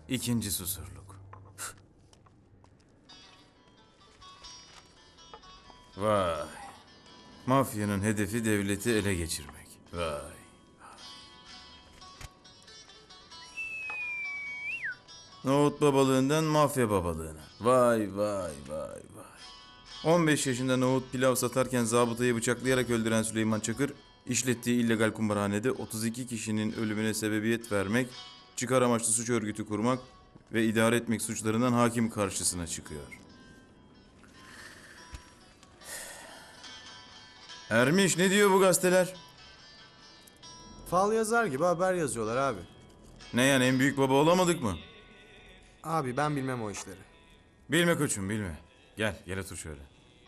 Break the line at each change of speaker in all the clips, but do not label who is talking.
İkinci Susurluk. Vay. Mafyanın hedefi devleti ele geçirmek. Vay. Nohut babalığından mafya babalığına. Vay vay vay vay. 15 yaşında nohut pilav satarken zabıtayı bıçaklayarak öldüren Süleyman Çakır, işlettiği illegal kumarhanede 32 kişinin ölümüne sebebiyet vermek, çıkar amaçlı suç örgütü kurmak ve idare etmek suçlarından hakim karşısına çıkıyor. Ermiş, ne diyor bu gazeteler?
Fal yazar gibi haber yazıyorlar abi.
Ne yani, en büyük baba olamadık mı?
Abi ben bilmem o işleri.
Bilme koçum, bilme. Gel otur şöyle.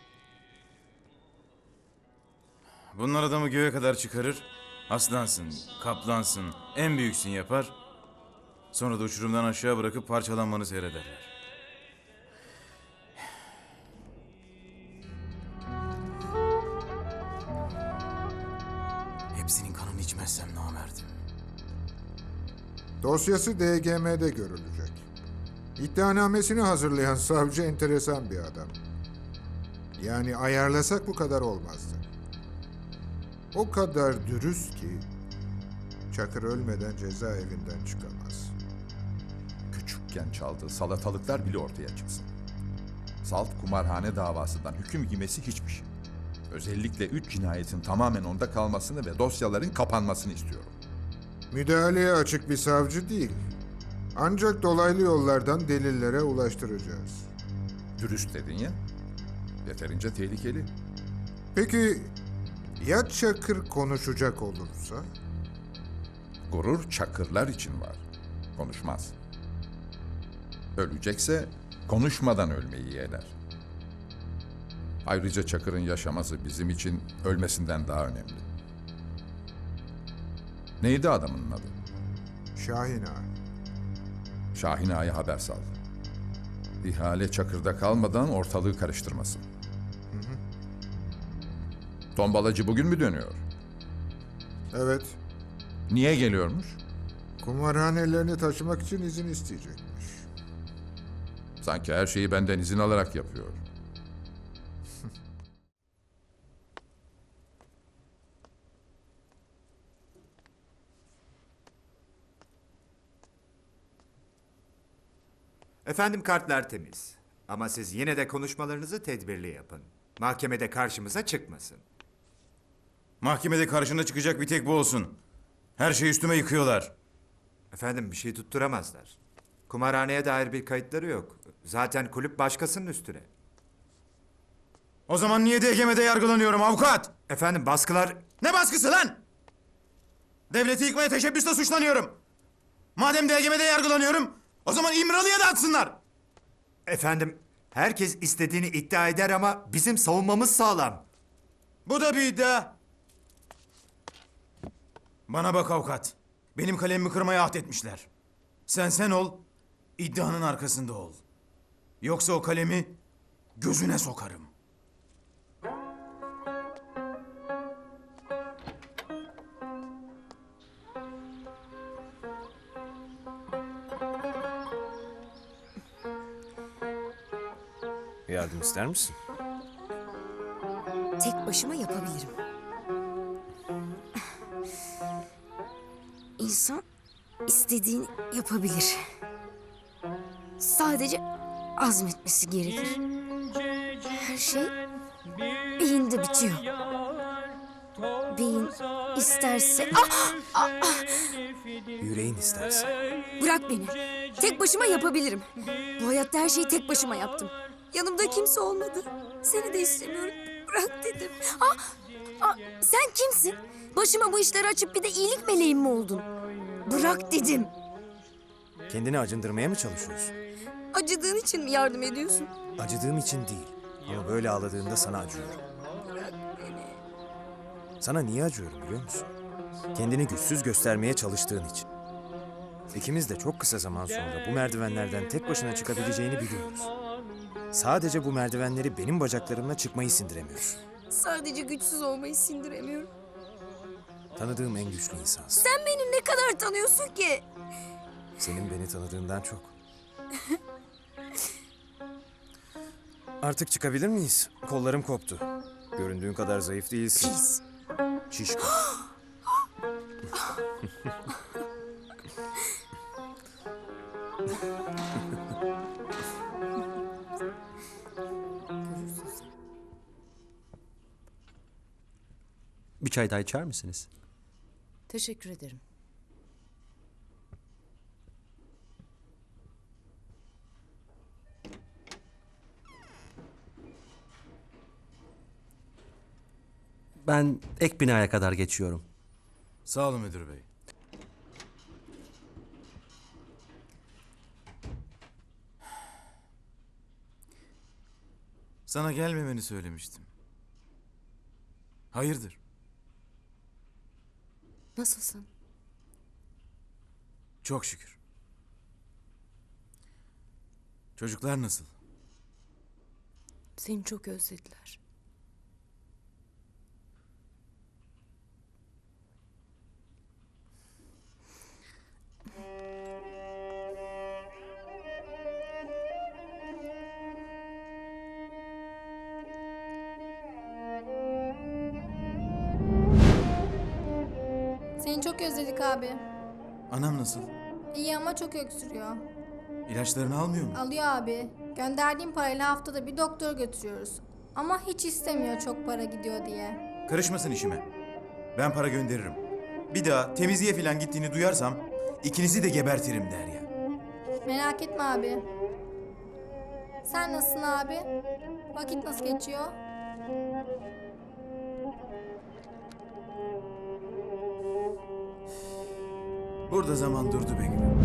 Bunlar adamı göğe kadar çıkarır. Aslansın, kaplansın, en büyüksün yapar. Sonra da uçurumdan aşağı bırakıp parçalanmanı seyrederler. Hepsinin kanını içmezsem namerdim.
Dosyası DGM'de görülecek. İddianamesini hazırlayan savcı enteresan bir adam. Yani ayarlasak bu kadar olmazdı. O kadar dürüst ki Çakır ölmeden cezaevinden çıkamaz.
Küçükken çaldığı salatalıklar bile ortaya çıksın. Salt kumarhane davasından hüküm giymesi hiçbir şey. Özellikle 3 cinayetin tamamen onda kalmasını ve dosyaların kapanmasını istiyorum.
Müdahaleye açık bir savcı değil. Ancak dolaylı yollardan delillere ulaştıracağız.
Dürüst dedin ya, yeterince tehlikeli.
Peki ya Çakır konuşacak olursa?
Gurur Çakırlar için var, konuşmaz. Ölecekse konuşmadan ölmeyi yeğler. Ayrıca Çakır'ın yaşaması bizim için ölmesinden daha önemli. Neydi adamın adı?
Şahin Ağa.
Şahin Ağa'ya haber sal. İhale Çakır'da kalmadan ortalığı karıştırmasın. Tombalacı bugün mü dönüyor?
Evet,
Niye geliyormuş?
kumarhanelerini taşımak için izin isteyecekmiş.
Sanki her şeyi benden izin alarak yapıyor.
Efendim kartlar temiz. Ama siz yine de konuşmalarınızı tedbirli yapın. Mahkemede karşımıza çıkmasın.
Mahkemede karşına çıkacak bir tek bu olsun. Her şeyi üstüme yıkıyorlar.
Efendim bir şey tutturamazlar. Kumarhaneye dair bir kayıtları yok. Zaten kulüp başkasının üstüne.
O zaman niye DGM'de yargılanıyorum avukat?
Efendim baskılar...
Ne baskısı lan? Devleti yıkmaya teşebbüsle suçlanıyorum. Madem DGM'de yargılanıyorum, o zaman İmralı'ya da atsınlar.
Efendim herkes istediğini iddia eder ama bizim savunmamız sağlam.
Bu da bir iddia. Bana bak avukat. Benim kalemimi kırmaya ahd etmişler. Sen ol, iddianın arkasında ol. Yoksa o kalemi gözüne sokarım.
Yardım ister misin?
Tek başıma yapabilirim. İnsan istediğini yapabilir. Sadece azmetmesi gerekir. Her şey beyinde bitiyor. Beyin isterse...
Yüreğin isterse.
Bırak beni. Tek başıma yapabilirim. Bu hayatta her şeyi tek başıma yaptım. Yanımda kimse olmadı. Seni de istemiyorum. Bırak dedim. Sen kimsin? Başıma bu işleri açıp bir de iyilik meleğim mi oldun? Bırak dedim.
Kendini acındırmaya mı çalışıyorsun?
Acıdığın için mi yardım ediyorsun?
Acıdığım için değil. Ama böyle ağladığında sana acıyorum. Sana niye acıyorum biliyor musun? Kendini güçsüz göstermeye çalıştığın için. İkimiz de çok kısa zaman sonra bu merdivenlerden tek başına çıkabileceğini biliyoruz. Sadece bu merdivenleri benim bacaklarımla çıkmayı sindiremiyorsun.
Sadece güçsüz olmayı sindiremiyorum.
Tanıdığım en güçlü insansın.
Sen beni ne kadar tanıyorsun ki?
Senin beni tanıdığından çok. Artık çıkabilir miyiz? Kollarım koptu. Göründüğün kadar zayıf değilsin.
Pis.
Şişko.
Bir çay daha içer misiniz?
Teşekkür ederim.
Ben ek binaya kadar geçiyorum.
Sağ olun müdür bey. Sana gelmemeni söylemiştim. Hayırdır?
Nasılsın?
Çok şükür. Çocuklar nasıl?
Seni çok özlediler.
Seni çok özledik abi.
Anam nasıl?
İyi ama çok öksürüyor.
İlaçlarını almıyor mu?
Alıyor abi. Gönderdiğim parayla haftada bir doktora götürüyoruz. Ama hiç istemiyor çok para gidiyor diye.
Karışmasın işime. Ben para gönderirim. Bir daha temizliğe falan gittiğini duyarsam ikinizi de gebertirim der ya.
Merak etme abi. Sen nasılsın abi? Vakit nasıl geçiyor?
Burada zaman durdu be gülüm.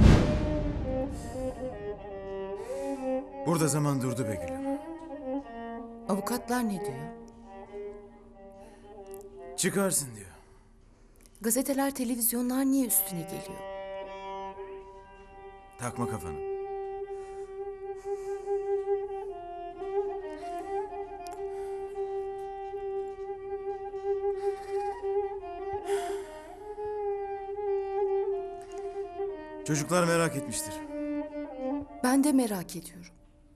Burada zaman durdu be gülüm.
Avukatlar ne diyor?
Çıkarsın diyor.
Gazeteler, televizyonlar niye üstüne geliyor?
Takma kafanı. Çocuklar merak etmiştir.
Ben de merak ediyorum.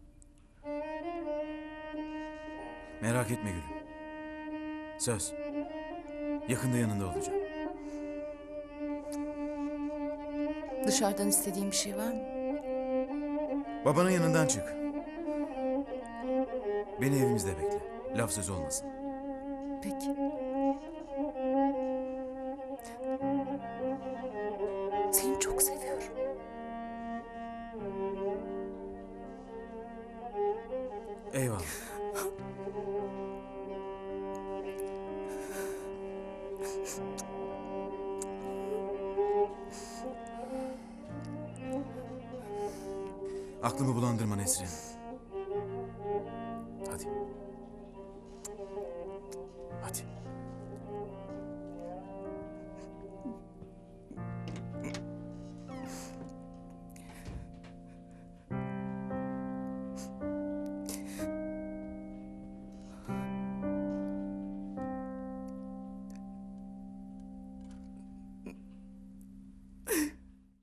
Merak etme gülüm. Söz. Yakında yanında olacağım.
Dışarıdan istediğin bir şey var mı?
Babanın yanından çık. Beni evimizde bekle. Laf söz olmasın.
Peki. Seni çok seviyorum.
Eyvallah. Aklımı bulandırma Nesrin.